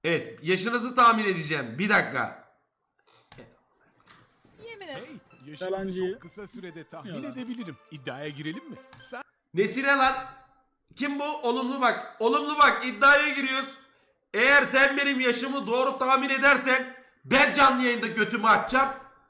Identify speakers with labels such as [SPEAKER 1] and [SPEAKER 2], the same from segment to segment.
[SPEAKER 1] Evet, yaşınızı tahmin edeceğim. Bir dakika.
[SPEAKER 2] Yemin et.
[SPEAKER 3] Hey, yaşınızı
[SPEAKER 4] Yalancı.
[SPEAKER 3] çok kısa sürede tahmin
[SPEAKER 4] Yalan.
[SPEAKER 3] edebilirim. İddiaya girelim mi? Sen
[SPEAKER 1] Nesine lan? Kim bu? Olumlu bak. Olumlu bak. İddiaya giriyoruz. Eğer sen benim yaşımı doğru tahmin edersen ben canlı yayında götümü açacağım.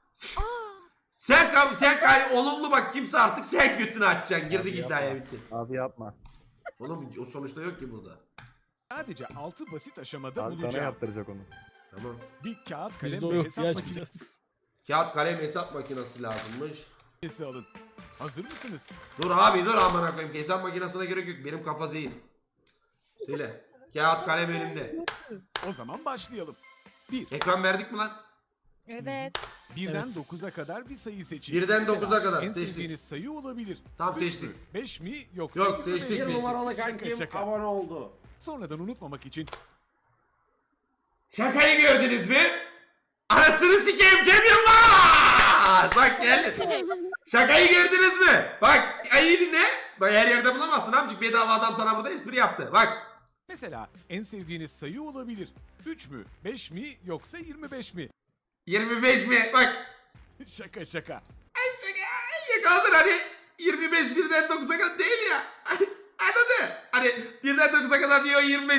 [SPEAKER 1] Sen olumlu bak, kimse artık sen götünü açacaksın. Girdik
[SPEAKER 5] Abi
[SPEAKER 1] iddiaya,
[SPEAKER 5] yapma.
[SPEAKER 1] bitti.
[SPEAKER 5] Abi yapma.
[SPEAKER 1] Oğlum o sonuçta yok ki burada.
[SPEAKER 3] sadece 6 basit aşamada
[SPEAKER 5] Abi sana
[SPEAKER 3] bulacağım.
[SPEAKER 5] yaptıracak onu.
[SPEAKER 1] Tamam.
[SPEAKER 3] Bir kağıt kalem
[SPEAKER 4] Bizde o
[SPEAKER 3] ve
[SPEAKER 4] yok
[SPEAKER 3] hesap
[SPEAKER 4] ya.
[SPEAKER 3] makinesi
[SPEAKER 1] Kağıt kalem hesap makinesi lazımmış.
[SPEAKER 3] alın. Hazır mısınız?
[SPEAKER 1] Dur abi dur, aman koyayım. Hesap makinesine gerek yok. Benim kafa zihin. Söyle. Kağıt kalem elimde.
[SPEAKER 3] O zaman başlayalım. 1.
[SPEAKER 1] Ekran verdik mi lan?
[SPEAKER 2] Evet.
[SPEAKER 3] Birden 9'a kadar bir sayı seçin.
[SPEAKER 1] Birden
[SPEAKER 3] Mesela
[SPEAKER 1] 9'a kadar
[SPEAKER 3] en
[SPEAKER 1] seçtik.
[SPEAKER 3] sevdiğiniz sayı olabilir.
[SPEAKER 1] Tamam,
[SPEAKER 3] 3
[SPEAKER 1] seçtik.
[SPEAKER 3] mü? 5 mi? Yoksa
[SPEAKER 1] Yok,
[SPEAKER 3] 25
[SPEAKER 1] seçtik,
[SPEAKER 3] mi?
[SPEAKER 1] seçtik.
[SPEAKER 6] numaralı
[SPEAKER 3] Şaka
[SPEAKER 6] kankim
[SPEAKER 3] şaka.
[SPEAKER 6] abone oldu.
[SPEAKER 3] Sonradan unutmamak için
[SPEAKER 1] Şakayı gördünüz mü? Arasını sikeyim Cem Yılmaz! Bak gel. Şakayı gördünüz mü? Bak iyi dinle. Bak her yerde bulamazsın amcık. Bedava adam sana burada espri yaptı. Bak.
[SPEAKER 3] mesela en sevdiğiniz sayı olabilir. 3 mü? 5 mi? Yoksa 25 mi?
[SPEAKER 1] 25 mi? Bak.
[SPEAKER 3] Şaka şaka.
[SPEAKER 1] Ay şaka. Yakaladır hani. 25 birden 9'a kadar değil ya. Anladın? Hani birden 9'a kadar diyor 25.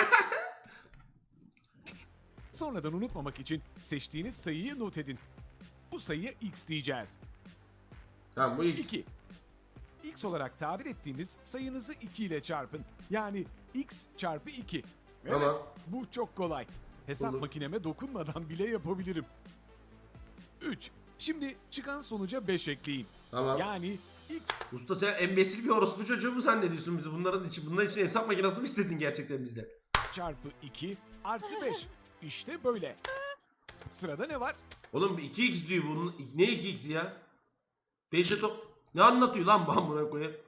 [SPEAKER 3] Sonradan unutmamak için seçtiğiniz sayıyı not edin. Bu sayıya x diyeceğiz.
[SPEAKER 1] Tamam, bu X.
[SPEAKER 3] 2. X olarak tabir ettiğimiz sayınızı 2 ile çarpın. Yani x çarpı 2. Evet,
[SPEAKER 1] Tamam.
[SPEAKER 3] bu çok kolay. Hesap
[SPEAKER 1] Olur.
[SPEAKER 3] makineme dokunmadan bile yapabilirim. 3. Şimdi çıkan sonuca 5 ekleyin.
[SPEAKER 1] Tamam.
[SPEAKER 3] Yani x
[SPEAKER 1] Usta sen embesil bir orospu çocuğu mu zannediyorsun bizi? Bunlar için hesap makinesi mi istedin gerçekten bizden?
[SPEAKER 3] çarpı 2 artı 5. İşte böyle. Sırada ne var?
[SPEAKER 1] Oğlum 2x diyor bunun. Ne 2x ya? 5'e top. Ne anlatıyor lan bu amına koyayım?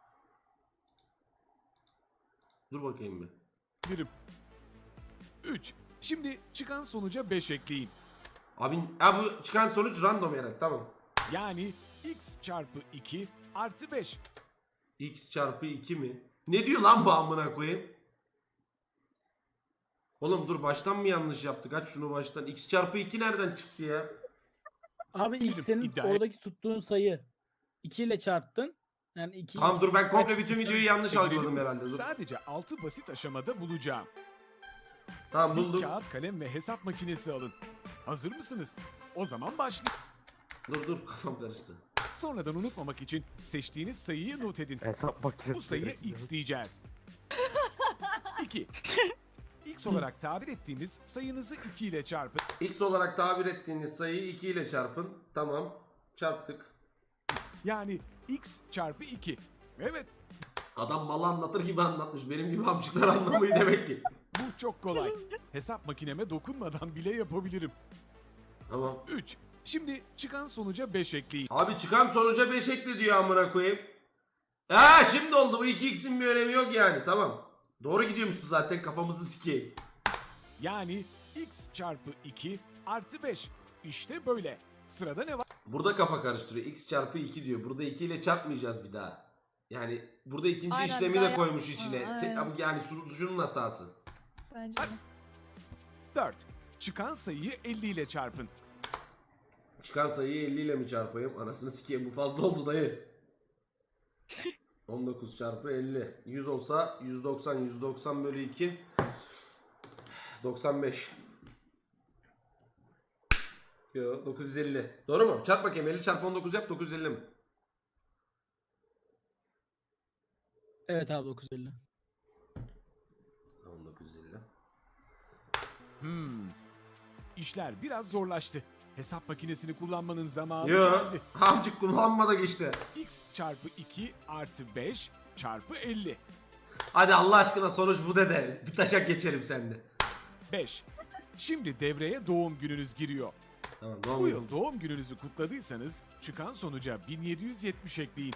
[SPEAKER 1] Dur bakayım bir.
[SPEAKER 3] Dirim. 3. Şimdi çıkan sonuca 5 ekleyin.
[SPEAKER 1] Abi ha, bu çıkan sonuç random herhalde, tamam.
[SPEAKER 3] Yani x çarpı 2 artı 5.
[SPEAKER 1] X çarpı 2 mi? Ne diyor lan bu amına koyayım? Oğlum dur, baştan mı yanlış yaptık? Aç şunu baştan. X çarpı 2 nereden çıktı ya?
[SPEAKER 4] Abi ilk senin
[SPEAKER 3] İddiaya-
[SPEAKER 4] oradaki tuttuğun sayı 2 ile çarptın. Yani 2
[SPEAKER 1] Tamam dur, ben komple bütün videoyu yanlış
[SPEAKER 3] Girelim
[SPEAKER 1] algıladım
[SPEAKER 3] mi?
[SPEAKER 1] herhalde. Dur.
[SPEAKER 3] Sadece 6 basit aşamada bulacağım.
[SPEAKER 1] Tamam
[SPEAKER 3] Bir
[SPEAKER 1] buldum.
[SPEAKER 3] kağıt kalem ve hesap makinesi alın. Hazır mısınız? O zaman başlayalım.
[SPEAKER 1] Dur kafam karıştı.
[SPEAKER 3] Sonradan unutmamak için seçtiğiniz sayıyı not edin.
[SPEAKER 5] Hesap makinesi.
[SPEAKER 3] Bu sayıya x diyeceğiz. 2. X olarak tabir ettiğimiz sayınızı 2 ile çarpın.
[SPEAKER 1] X olarak tabir ettiğiniz sayıyı 2 ile çarpın. Tamam. Çarptık.
[SPEAKER 3] Yani x çarpı 2. Evet,
[SPEAKER 1] Adam malı anlatır gibi anlatmış. Benim gibi amcıklar anlamayı demek ki.
[SPEAKER 3] bu çok kolay. Hesap makineme dokunmadan bile yapabilirim.
[SPEAKER 1] Tamam.
[SPEAKER 3] 3. Şimdi çıkan sonuca 5 ekleyin.
[SPEAKER 1] Abi çıkan sonuca 5 ekle diyor amına koyayım. Ha şimdi oldu, bu 2x'in bir önemi yok yani, tamam. Doğru gidiyormuşsun zaten, kafamızı sikeyim.
[SPEAKER 3] Yani x çarpı 2 artı 5. İşte böyle. Sırada ne var?
[SPEAKER 1] Burada kafa karıştırıyor. X çarpı 2 diyor. Burada 2 ile çarpmayacağız bir daha. Yani burada ikinci
[SPEAKER 2] Aynen,
[SPEAKER 1] işlemi
[SPEAKER 2] daha
[SPEAKER 1] de koymuş içine.
[SPEAKER 2] aynen.
[SPEAKER 1] Yani sunucunun hatası.
[SPEAKER 2] Bence de.
[SPEAKER 3] 4. Çıkan sayıyı 50 ile çarpın.
[SPEAKER 1] Çıkan sayıyı 50 ile mi çarpayım? Anasını sikeyim, bu fazla oldu dayı. 19 çarpı 50. 100 olsa 190. 190 bölü 2. 95. Yo, 950. Doğru mu? Çarp bakayım. 50 çarpı 19 yap. 950 mi?
[SPEAKER 4] Evet abi 950.
[SPEAKER 1] Tamam, 950.
[SPEAKER 3] İşler biraz zorlaştı. Hesap makinesini kullanmanın zamanı
[SPEAKER 1] Yo.
[SPEAKER 3] geldi.
[SPEAKER 1] Amcık kullanma da geçti.
[SPEAKER 3] X çarpı 2 artı 5 çarpı 50.
[SPEAKER 1] Hadi Allah aşkına sonuç bu dede. Bir taşak geçelim sende.
[SPEAKER 3] 5. Şimdi devreye doğum gününüz giriyor.
[SPEAKER 1] Tamam, doğum
[SPEAKER 3] Bu
[SPEAKER 1] günü.
[SPEAKER 3] yıl doğum gününüzü kutladıysanız çıkan sonuca 1770 ekleyin.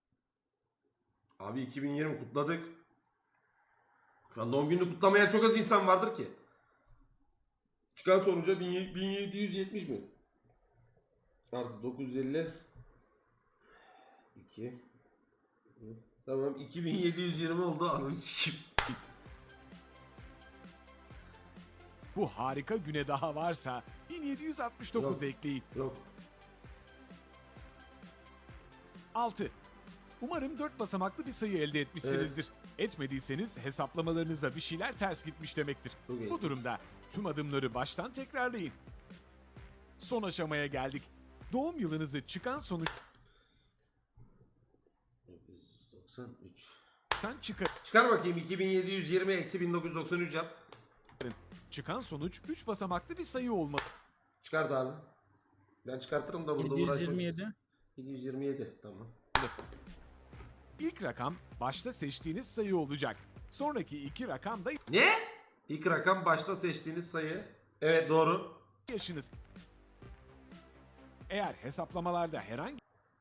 [SPEAKER 1] Abi 2020 kutladık. Şu an doğum gününü kutlamayan çok az insan vardır ki. Çıkan sonuca 1770 mi? Artı 950. 2. Tamam, 2720 oldu. Ananı sikeyim.
[SPEAKER 3] Bu harika güne daha varsa 1769
[SPEAKER 1] Yok.
[SPEAKER 3] ekleyin.
[SPEAKER 1] Yok.
[SPEAKER 3] 6. Umarım 4 basamaklı bir sayı elde etmişsinizdir. Etmediyseniz hesaplamalarınızda bir şeyler ters gitmiş demektir.
[SPEAKER 1] Çok iyi.
[SPEAKER 3] Bu durumda tüm adımları baştan tekrarlayın. Son aşamaya geldik. Doğum yılınızı çıkan sonuçtan
[SPEAKER 1] 93.
[SPEAKER 3] çıkarın.
[SPEAKER 1] Çıkar bakayım 2720 eksi 1993 yap.
[SPEAKER 3] Çıkan sonuç 3 basamaklı bir sayı olmalı.
[SPEAKER 1] Çıkart abi. Ben çıkartırım da burada uğraşmak.
[SPEAKER 4] 727.
[SPEAKER 1] 727 tamam.
[SPEAKER 3] İlk rakam başta seçtiğiniz sayı olacak. Sonraki iki rakam da
[SPEAKER 1] Ne? İlk rakam başta seçtiğiniz sayı. Evet doğru.
[SPEAKER 3] yaşınız. Eğer hesaplamalarda herhangi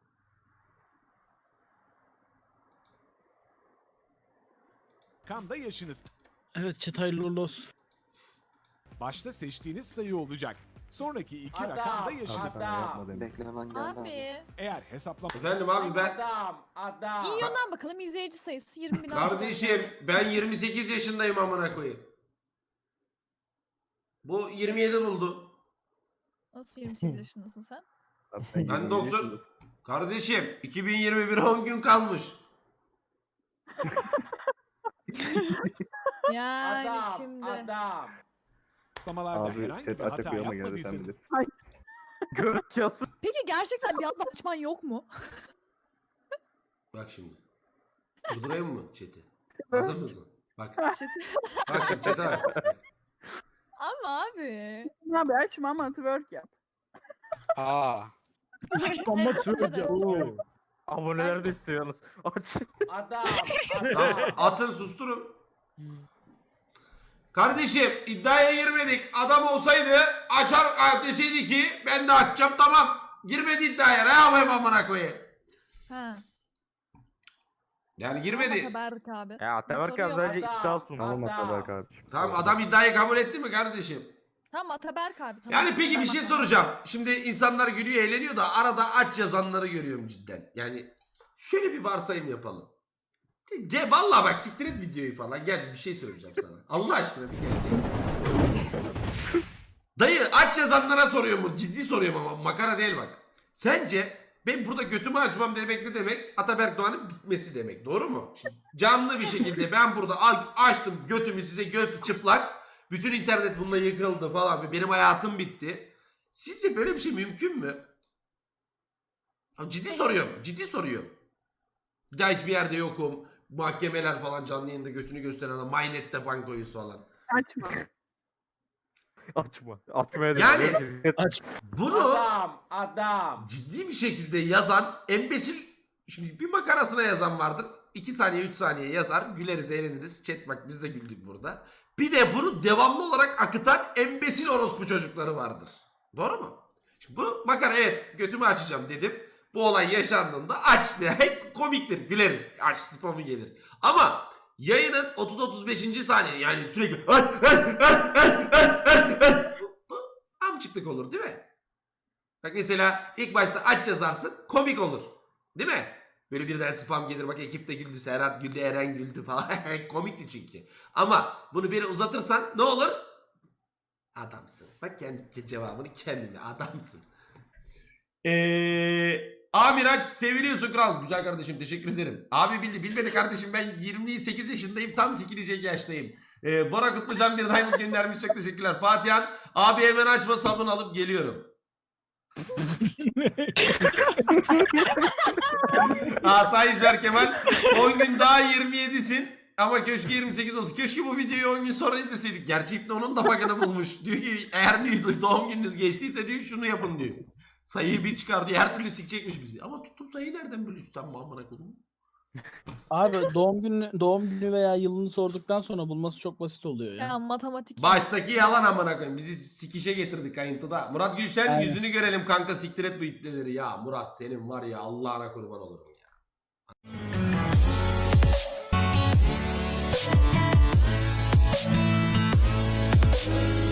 [SPEAKER 3] rakam da yaşınız.
[SPEAKER 4] Evet chat hayırlı uğurlu olsun.
[SPEAKER 3] Başta seçtiğiniz sayı olacak. Sonraki iki rakam da yaşınız.
[SPEAKER 5] Beklenen geldi abi.
[SPEAKER 2] Abi.
[SPEAKER 3] Eğer hesaplama
[SPEAKER 1] Efendim abi ben...
[SPEAKER 2] İyi yönden bakalım izleyici sayısı 20 bin
[SPEAKER 1] Kardeşim ben 28 yaşındayım amına koyayım. Bu 27 buldu.
[SPEAKER 2] Nasıl 28 yaşındasın sen?
[SPEAKER 1] Ben 90... Kardeşim 2021'e 10 gün kalmış.
[SPEAKER 2] Yani şimdi.
[SPEAKER 3] hesaplamalarda
[SPEAKER 5] Abi
[SPEAKER 3] herhangi
[SPEAKER 5] chat
[SPEAKER 3] bir
[SPEAKER 5] açık
[SPEAKER 3] hata
[SPEAKER 5] uyuma geldi sen
[SPEAKER 3] yapmadıysanız
[SPEAKER 5] bilirsin.
[SPEAKER 2] Peki gerçekten bir anda açman yok mu?
[SPEAKER 1] Bak şimdi. Durdurayım mı chat'i? Hazır mısın? Bak.
[SPEAKER 2] Chat-
[SPEAKER 1] Bak şimdi chat'e bak.
[SPEAKER 2] Ama abi.
[SPEAKER 6] Abi açma ama twerk yap.
[SPEAKER 4] Ama
[SPEAKER 2] Evet,
[SPEAKER 4] twerk
[SPEAKER 2] bence de.
[SPEAKER 4] ya.
[SPEAKER 6] Aboneler de istiyorsunuz. Aç.
[SPEAKER 1] Tamam, atın susturun. Kardeşim iddiaya girmedik. Adam olsaydı açar deseydi ki ben de açacağım tamam. Girmedi iddiaya. Ne yapayım amına koyayım?
[SPEAKER 2] Ha.
[SPEAKER 1] Yani girmedi.
[SPEAKER 2] Berk abi.
[SPEAKER 6] Ya Ataberk abi sadece iddia sundu.
[SPEAKER 5] Tamam Ataberk abi.
[SPEAKER 1] Tamam adam iddiayı kabul etti mi kardeşim?
[SPEAKER 2] Tamam Ataberk abi. Tamam.
[SPEAKER 1] Yani peki bir
[SPEAKER 2] Tamam,
[SPEAKER 1] şey
[SPEAKER 2] tamam.
[SPEAKER 1] soracağım. Şimdi insanlar gülüyor eğleniyor da arada aç yazanları görüyorum cidden. Yani şöyle bir varsayım yapalım. Gel vallahi bak siktir et videoyu falan. Gel bir şey söyleyeceğim sana. Allah aşkına bir gel. Dayı aç yazanlara soruyorum mu? Ciddi soruyorum ama makara değil bak. Sence ben burada götümü açmam demek ne demek? Ataberk Doğan'ın bitmesi demek. Doğru mu? Şimdi canlı bir şekilde ben burada açtım götümü size göz çıplak. Bütün internet bununla yıkıldı falan. Benim hayatım bitti. Sizce böyle bir şey mümkün mü? Abi ciddi soruyorum. Ciddi soruyorum. Bir daha hiçbir yerde yokum. Mahkemeler falan canlı yayında götünü gösteren adam. MyNet'te bankoyuz falan.
[SPEAKER 6] Açma. Açma. Açmaya da
[SPEAKER 1] Yani-
[SPEAKER 4] Aç.
[SPEAKER 1] Bunu ciddi bir şekilde yazan embesil, şimdi bir makarasına yazan vardır. 2 saniye 3 saniye yazar. Güleriz eğleniriz. Chat bak biz de güldük burada. Bir de bunu devamlı olarak akıtan embesil orospu çocukları vardır. Doğru mu? Şimdi bu makara evet götümü açacağım dedim. Bu olay yaşandığında aç diye komiktir güleriz. Aç spamı gelir. Ama yayının 30-35. saniye yani sürekli bu amcıklık olur değil mi? Bak mesela ilk başta aç yazarsın komik olur. Değil mi? Böyle birden spam gelir bak ekip de güldü, Serhat güldü, Eren güldü falan. Komikti çünkü. Ama bunu bir uzatırsan ne olur? Adamsın. Bak kendi cevabını kendine adamsın. Amiraç seviliyorsun kral. Güzel kardeşim teşekkür ederim. Abi bilmedi kardeşim ben 28 yaşındayım tam sikilecek yaştayım. Bora Kutlucan bir diamond göndermiş çok teşekkürler. Fatihan abi hemen açma sabun alıp geliyorum. Asayiş Berkemal 10 gün daha 27'sin ama keşke 28 olsun. Keşke bu videoyu 10 gün sonra izleseydik. Gerçi İbni onun da bug'ını bulmuş. Diyor ki eğer diyor doğum gününüz geçtiyse diyor şunu yapın diyor. Sayıyı bir çıkar diye her türlü sikecekmiş bizi. Ama tutup sayıyı nereden biliyorsun sen amına koyayım?
[SPEAKER 4] Abi doğum günü veya yılını sorduktan sonra bulması çok basit oluyor ya.
[SPEAKER 2] Ya matematik.
[SPEAKER 1] Baştaki yalan amına koyayım. Bizi sikişe getirdik kayıntıda. Murat Gülşen
[SPEAKER 4] Aynen.
[SPEAKER 1] yüzünü görelim kanka siktir et bu ipleleri. Ya Murat senin var ya Allah'ına kurban olurum ya.